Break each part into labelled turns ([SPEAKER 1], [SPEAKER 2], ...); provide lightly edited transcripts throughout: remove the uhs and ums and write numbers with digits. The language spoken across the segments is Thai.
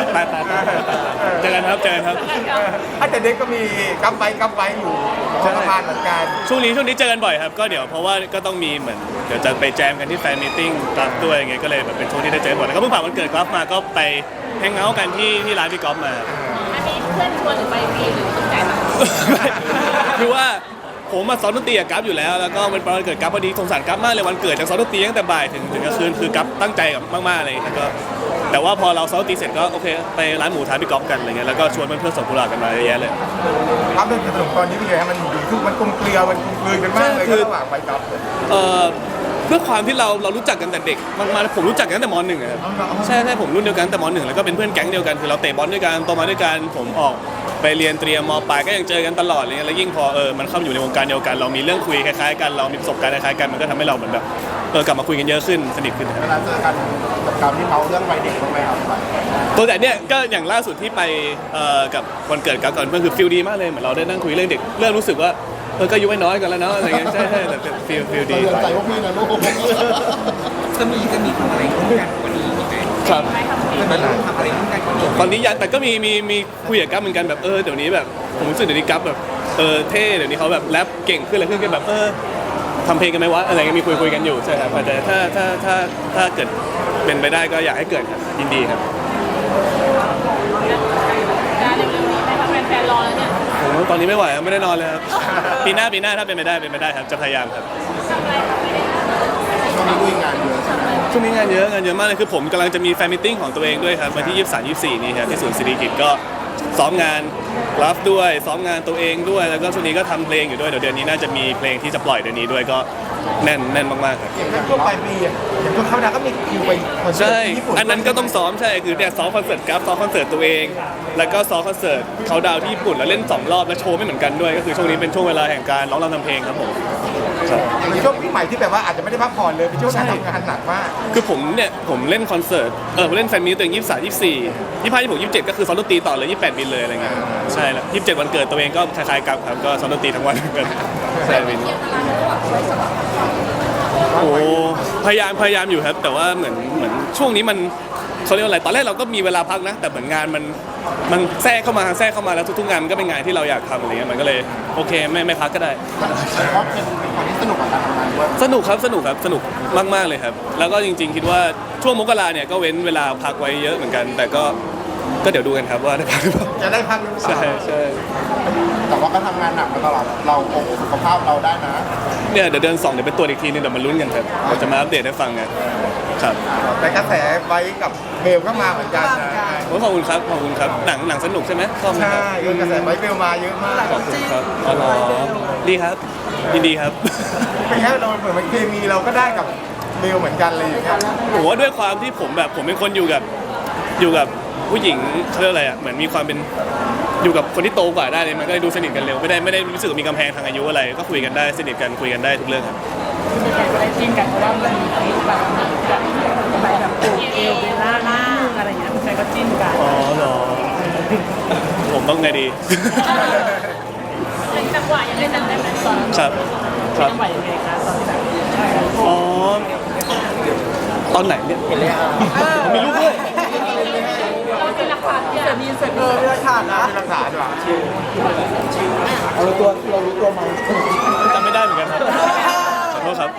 [SPEAKER 1] เจอกันครับ
[SPEAKER 2] แต่เด็กก็มีกัมไว้อยู่พอประมาณเหมือนกัน
[SPEAKER 1] ช่วงนี้เจอกันบ่อยครับก็เดี๋ยวเพราะว่าก็ต้องมีเหมือนเดี๋ยวจะไปแจมกันที่แฟนมีตติ้งกราฟด้วยอย่างเงี้ยก็เลยแบบเป็นช่วงที่ได้เจอบ่อยแล้วก็เพิ่งผ่านวันเกิดกราฟมาก็ไปแฮงเอาท์กันที่ร้านพี่กอล์ฟมา
[SPEAKER 3] อันนี้เพื่อนชวนหรือไปฟรีหรือต้องจ่ายตังค์
[SPEAKER 1] คือว่าผมมาซ้อมดนตรีกับกัฟอยู่แล้วแล้วก็เป็นวันเกิดกัฟพอดีสงสารกัฟมากเลยวันเกิดจากซ้อมดนตรีตั้งแต่บ่ายถึงกลางคืนคือกัฟตั้งใจกับมากๆเลยแล้วก็แต่ว่าพอเราซ้อมดนตรีเสร็จก็โอเคไปร้านหมูทานพี่กอล์ฟกันอะไรเงี้ยแล้วก็ชวนเพื่อนๆส่งกุหลาบกันมาเยอะแยะเลย
[SPEAKER 2] ครับเรื่องสนุกตอนนี้เป็นไงมันอยู่ทุกมันกลมเกลียวมันกลืนกันมากเลยระหว่างไปกับ
[SPEAKER 1] เพื่อความที่เรารู้จักกันแต่เด็กมากๆผมรู้จักกันตั้งแต่ม .1 ครับใช่ผมรุ่นเดียวกันแต่ม .1 แล้วก็เป็นเพื่อนแก๊งเดียวกันคือเราเตะบอลด้วยกันโตมาด้วยกันผมออกไปเรียนเตรียมม.ปลายก็ยังเจอกันตลอดอะไรเงี้ยแล้วยิ่งพอมันเข้าอยู่ในวงการเดียวกันเรามีเรื่องคุยคล้ายๆกันเรามีประสบการณ์คล้ายๆกันมันก็ทำให้เราเหมือนแบบกลับมาคุยกันเยอะขึ้นสนิทขึ้น
[SPEAKER 2] เวลาเจอกันกับการที่เขาเรื่องวัยเด็กบ้างไหมครับ
[SPEAKER 1] ตัวแต่เนี้ยก็อย่างล่าสุดที่ไปกับวันเกิดกับก่อนเพื่อนคือฟีลดีมากเลยเหมือนเราได้นั่งคุยเรื่องเด็กเริ่มรู้สึกว่าก็อายุไม่น้อยกันแล้วเนาะอะไรเงี้ยใช่แต่เป็นฟีลดี
[SPEAKER 2] ใจว่าพี่นะลูก
[SPEAKER 4] จะมีทำอะไรร่วมกันกว่านี้ไหม
[SPEAKER 1] ครับ
[SPEAKER 4] ทำอะไรร่วมกันกว่านี้
[SPEAKER 1] ตอนนี้ยังแต่ก็มีคุยกับกัฟเหมือนกันแบบเดี๋ยวนี้แบบผมรู้สึกเดี๋ยวนี้กัฟแบบเท่เดี๋ยวนี้เขาแบบแรปเก่งขึ้นอะไรขึ้นกันแบบทำเพลงกันไหมวะอะไรเงี้ยมีคุยกันอยู่ใช่ครับแต่ถ้าเกิดเป็นไปได้ก็อยากให้เกิดครับยินดีครับ
[SPEAKER 3] เร็วๆนี้ไหมคะแฟนๆรอแล้วเนี่ย
[SPEAKER 1] ตอนนี้ไม่ไหวไม่ได้นอนเลยครับปีหน้าถ้าเป็นไปได้ครับจะพยายามครับ
[SPEAKER 2] ช่วงนี้ด้วยงานเยอะ
[SPEAKER 1] ช่วงนี้งานเยอะมากเลยคือผมกำลังจะมีแฟนมิทติ้งของตัวเองด้วยครับวันที่23-24นี้ครับที่ศูนย์ศิริกิติ์ก็ซ้อมงานรับด้วยซ้อมงานตัวเองด้วยแล้วก็ช่วงนี้ก็ทำเพลงอยู่ด้วยเดี๋ยวเดือนนี้น่าจะมีเพลงที่จะปล่อยเดือนนี้ด้วยก็แน่นมากๆครับ
[SPEAKER 2] อย่างทั่วไปปีอย่างทั่วเขาดาก็มีคิวไปคอนเสิร์ตญี่ปุ่น
[SPEAKER 1] อันนั้นก็ต้องซ้อมใช่คือเนี่ยซ้อมคอนเสิร์ตกราฟซ้อมคอนเสิร์ตตัวเองแล้วก็ซ้อมคอนเสิร์ตเขาดาวที่ญี่ปุ่นแล้วเล่น2รอบแล้วโชว์ไม่เหมือนกันด้วยก็คือช่วงนี้เป็นช่วงเวลาแห่งการร้องรำทำเพลงครับผม
[SPEAKER 2] อย่างช่วงปีใหม่ที่แบบว่าอาจจะไม่ได้พักผ่อนเลยเป็นช่วงการทำงานหนักมาก
[SPEAKER 1] คือผมเล่นคอนเสิร์ตผมเล่นแฟนมีตตัวเอง23-24 25-26 27ก็คือซ้อมดนตรีต่อเลย28บินเลยอะไรเงี้ยใช่แล้ว27วันเกิดตัวเองก็คล้ายๆกับครับก็ซ้อมดนตรีทั้งวันกันใช่บินโอ้พยายามอยู่ครับแต่ว่าเหมือนช่วงนี้มันเขาเรียกว่าอะไรตอนแรกเราก็มีเวลาพักนะแต่เหมือนงานมันแทรกเข้ามาแล้วทุกๆงานมันก็เป็นงานที่เราอยากทำอะไรเงี้ยมันก็เลยโอเคไม่พักก็ได้
[SPEAKER 2] เพราะเป็นคนที่สนุกกับการทำงานด้วย
[SPEAKER 1] สนุกมากๆเลยครับแล้วก็จริงๆคิดว่าช่วงมกราเนี่ยก็เว้นเวลาพักไว้เยอะเหมือนกันแต่ก็เดี๋ยวดูกันครับว่าได้พักหรือเปล่า
[SPEAKER 2] จะได้พักหรือเปล่า
[SPEAKER 1] ใช่
[SPEAKER 2] แต่ว่าก็ทำงานหนักมาตลอดเราคงสุขภาพเราได้นะ
[SPEAKER 1] เนี่ยเดี๋ยวเดือน2เดี๋ยวเป็นตัวอีกทีนึงเดี๋ยวมาลุ้นกันครับเราจะมาอัปเดตให้ฟังกันครับ
[SPEAKER 2] แต่กระแสไว้กับเบลก็มาเหมือนกัน
[SPEAKER 1] ขอบคุณครับหนังสนุกใช่ไหม
[SPEAKER 2] ใช่กระแสไว้เบลมาเยอะมาก
[SPEAKER 1] ขอบคุณครับอ๋อดีครับยินดีครับ
[SPEAKER 2] เป็นแค่เราเหมือนมันเคมีเราก็ได้กับเบลเหมือนกันเลยอย่างเงี้ย
[SPEAKER 1] ผมว่าด้วยความที่ผมเป็นคนอยู่กับผู้หญิงเขาเรียกอะไรอ่ะเหมือนมีความเป็นอยู่กับคนที่โตกว่าได้เลยมันก็ดูสนิทกันเร็วไม่ได้รู้สึกมีกำแพงทางอายุอะไรก็คุยกันได้สนิทกันคุยกันได้ทุกเรื่องครับ
[SPEAKER 3] ไม่ได้จิ้นกันเพราะว่ามันมีคลิปแบบปูเอวเบลล่าหน้าอะไรอย่างเงี้ยใครก็จิ้นกัน
[SPEAKER 1] อ๋อเหรอผมต้องไงดี
[SPEAKER 3] จังหวะยังได้จำได้ไหมตอน
[SPEAKER 1] ครับ
[SPEAKER 3] จังหวะยังไงคะตอนที่แบบ
[SPEAKER 1] อ๋อตอนไหนเนี่ยผมมีลูกด้วย
[SPEAKER 3] เป็นหลักฐานเนี่ยมีเสร็จ
[SPEAKER 2] เป็นหลักฐานนะเป็นหลักฐานดีกว่าเรารู้ตัวไหม
[SPEAKER 1] จำไม่ได้เหมือนกันครับขอโทษครับ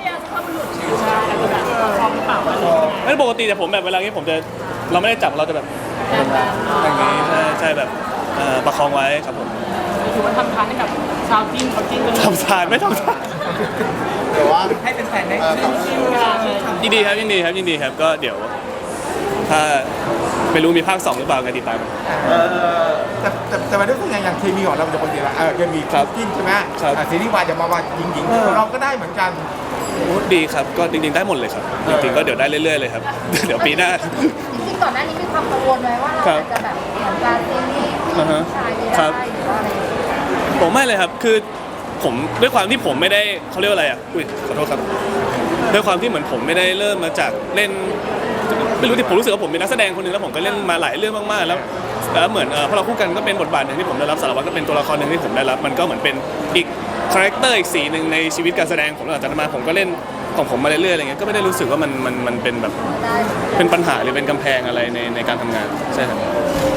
[SPEAKER 1] ไม่ปกติแต่ผมแบบเวลานี้ผมจะเราไม่ได้จับเราจะแบบอย่างนี้ใช่แบบประคองไว้ครับผม
[SPEAKER 3] ถือว่าทำทานให้กับชาวจีนเขาจีนกัน
[SPEAKER 1] ทำทานไม่ทำทาน
[SPEAKER 2] แต่ว่า
[SPEAKER 4] ให้เป็นแฟนได้
[SPEAKER 1] ยินดีครับก็เดี๋ยวถ้าไม่รู้มีภาค2หรือเปล่ากันติดตาม
[SPEAKER 2] แต่มาด้วยตัวอย่างเคมีของเราจะปกติละเคมีจิ้นใช่ไหมซีรีส์วายจะมาหญิงเราก็ได้เหมือนกัน
[SPEAKER 1] ดีครับก็จริงๆได้หมดเลยครับจริงๆก็เดี๋ยวได้เรื่อยๆเลยครับเดี๋ยวปีหน้า
[SPEAKER 3] จริงๆก่อนหน้านี้มีความกังวลไว้ว่าเราจะแบบเหมือนการซีรีส์ผู้ชายไม่ได้หรือว่าอะไร
[SPEAKER 1] ผมไม่เลยครับคือผมด้วยความที่ผมไม่ได้เขาเรียกว่าอะไรอ่ะขอโทษครับด้วยความที่เหมือนผมไม่ได้เริ่มมาจากเล่นไม่รู้ที่ผมรู้สึกว่าผมเป็นนักแสดงคนนึงแล้วผมก็เล่นมาหลายเรื่องมากๆแล้วเหมือนพอเราคู่กันก็เป็นบทบาทหนึ่งที่ผมได้รับสารวัตรก็เป็นตัวละครหนึ่งที่ผมได้รับมันก็เหมือนเป็นอีกคาแรคเตอร์อีกสีหนึ่งในชีวิตการแสดงผมหลังจากนั้นมาผมก็เล่นของผมมาเรื่อยๆอะไรเงี้ยก็ไม่ได้รู้สึกว่ามันเป็นแบบเป็นปัญหาหรือเป็นกำแพงอะไรในการทำงานใช่ครับ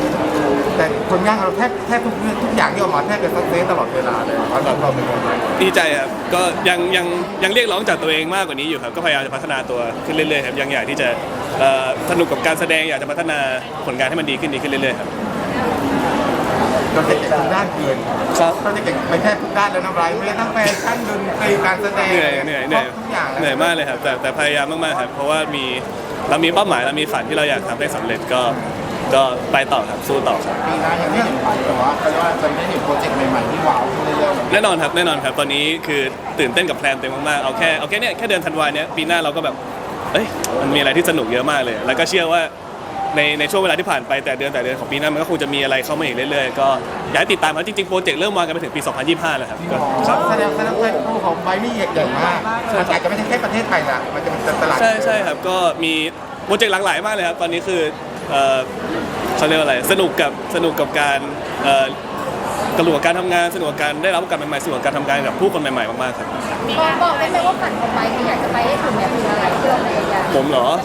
[SPEAKER 2] แต่คนงานเราแทบทุกอย่างที่ออกมาแทบจะซักเซสตลอดเวลาเลยเราเป็นคนไทย
[SPEAKER 1] ดีใจครับก็ยังเรียกร้องจากตัวเองมากกว่านี้อยู่ครับก็พยายามจะพัฒนาตัวขึ้นเรื่อยๆครับยังอยากที่จะสนุกกับการแสดงอยากจะพัฒนาผลงานให้มันดีขึ้นเรื่อยๆครับ
[SPEAKER 2] เราจะเก่งทุกด้านเกิน
[SPEAKER 1] ครับ
[SPEAKER 2] เราจะเก่งไปแทบทุกด้านแล้วนะไบรท์ไม่ได้ทั้งแฟชั่นดนตรีการแสดง
[SPEAKER 1] เหนื่อย
[SPEAKER 2] ครบทุกอย่างแล้ว
[SPEAKER 1] เหนื่อยมากเลยครับแต่พยายามมากๆครับเพราะว่าเรามีเป้าหมายเรามีฝันที่เราอยากทำให้สำเร็จก็ไปต่อครับสู้ต่อครับ
[SPEAKER 2] ปีหน้ายังไม่เห็นไปแต่ว่าเขาเรียกว่าจะได้เห็นโปรเจกต์ใหม่ๆที่ว้าวขึ้นเรื่อยๆ
[SPEAKER 1] แน่นอนครับตอนนี้คือตื่นเต้นกับแพลนเต็มมากๆเอาแค่เนี่ยแค่เดือนธันวาเนี้ยปีหน้าเราก็แบบเอ้ยมันมีอะไรที่สนุกเยอะมากเลย แล้วก็เชื่อว่าในช่วงเวลาที่ผ่านไปแต่เดือนของปีหน้ามันก็คงจะมีอะไรเข้ามาอีกเรื่อยๆก็อยากให้ติดตามครับจริงๆโปรเจกต์เริ่มวางกันไปถึงปี 2025 แล้วครับก็ครับ
[SPEAKER 2] แสดงว่าคู่ของไบรท์นี่ใหญ่มากมันอาจจะไม่ใช่แค่ประเทศไทยละมันจะเป็นตลาด
[SPEAKER 1] ใช่ครับก็มีโปรเจกต์หลากหลายมากเลยครับตอนนี้คือเขาเรียกว่าอะไรสนุกกับการสนุกกับการทำงานสนุกกับการได้รับโอกาสใหม่ๆสนุกกับการทำงานกับผู้คนใหม่ๆมากๆครับ
[SPEAKER 5] บอกได้ไหมว่าฝันของไบค์ที่อยากจะไปให้ถึงเนี่ยคืออะไรที่เราพยายาม
[SPEAKER 1] ผมเหรอ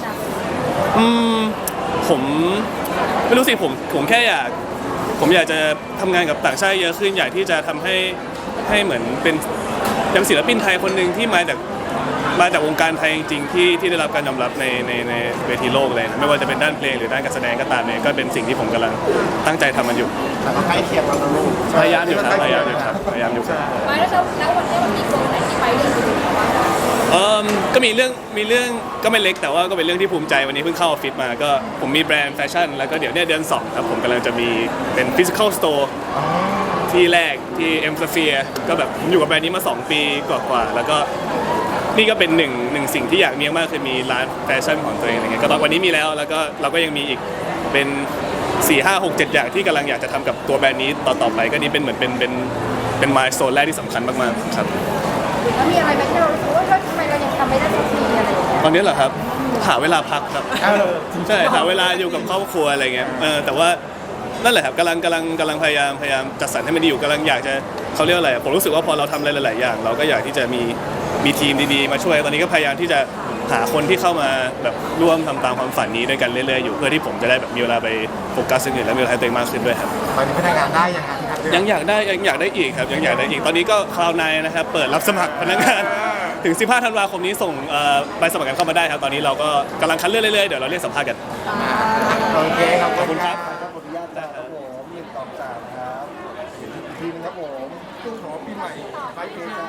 [SPEAKER 1] ผมไม่รู้สิผมแค่อยากจะทำงานกับต่างชาติเยอะขึ้นอยากที่จะทำให้เหมือนเป็นยังศิลปินไทยคนหนึ่งที่มาจากวงการไทยจริงๆที่ได้รับการยอมรับในเวทีโลกเลยนะไม่ว่าจะเป็นด้านเพลงหรือด้านการแสดงก็ตามเนี่ยก็เป็นสิ่งที่ผมกำลังตั้งใจทำมันอยู่
[SPEAKER 2] แต่ก็ใกล้เคียงกันนะลูก
[SPEAKER 1] พยายามอยู่ครับ
[SPEAKER 5] ไบค์แล้ววันนี้มันมีโกลไหนที่ไปเรื่องอื่นหรือว่า
[SPEAKER 1] ก็มีเรื่องก็ไม่เล็กแต่ว่าก็เป็นเรื่องที่ภูมิใจวันนี้เพิ่งเข้าออฟฟิศมาก็ผมมีแบรนด์แฟชั่นแล้วก็เดี๋ยวเนี่ยเดือน2ครับผมกำลังจะมีเป็น physical store ที่แรกที่เอ็มสเฟียก็แบบผมอยู่กับแบรนด์นี้มา2 ปีกว่าๆแล้วก็นี่ก็เป็นหนึ่งสิ่งที่อยากมีมากคือมีร้านแฟชั่นของตัวเองอะไรเงี้ยก็ตอนวันนี้มีแล้วก็เราก็ยังมีอีกเป็น4 5 6 7 อย่างที่กำลังอยากจะทำกับตัวแบรนด์นี้ต่อไปก็นี่เป็นเหมือนเป็นมายสโตนแรกที่สำคัญมากๆครับ
[SPEAKER 5] แล้วมีอะไรไหมที่เรารู้สึกว่าทำไมเรายังทำไม่ได้สักทีอะไรอย่างเงี้ย
[SPEAKER 1] ตอนนี้เหรอครับหาเวลาพักครับใช่หาเวลาอยู่กับครอบครัวอะไรเงี้ยแต่ว่านั่นแหละครับกำลังพยายามจัดสรรให้มันดีอยู่กำลังอยากจะเขาเรียกอะไรผมรู้สึกว่าพอเราทำอะไรหลายๆอย่างเราก็อยากที่จะมีทีมดีๆมาช่วยตอนนี้ก็พยายามที่จะหาคนที่เข้ามาแบบร่วมทำตามความฝันนี้ด้วยกันเรื่อยๆอยู่เพื่อที่ผมจะได้แบบมีเวลาไปโฟกัสสิ่งอื่นและมีเวลาให้ตัวเองมากขึ้นด้วยครับ
[SPEAKER 2] ตอนนี้พนักงานได้ยังไงครับ
[SPEAKER 1] ยังอยากได้อีกครับยังอยากได้อีกตอนนี้ก็คลาวน์ไนน์นะครับเปิดรับสมัครพนักงานถึง 15 ธันวาคมนี้ส่งใบสมัครกันเข้ามาได้ครับตอนนี้เราก็กำลังคัดเลือกเรื่อยๆเดี๋ยวเราเรียกสัมภาษณ์กัน
[SPEAKER 2] โอเคขอบคุณ
[SPEAKER 1] ครับ
[SPEAKER 2] ขออนุญาตครับผม1 2 3ครับอีกทีนึงครับผมตู้ของปีใหม่ไปเพลง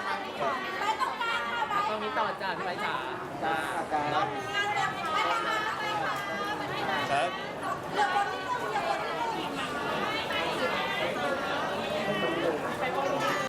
[SPEAKER 3] ตรงนี้ต่อจากไปจ๋า
[SPEAKER 1] ครับ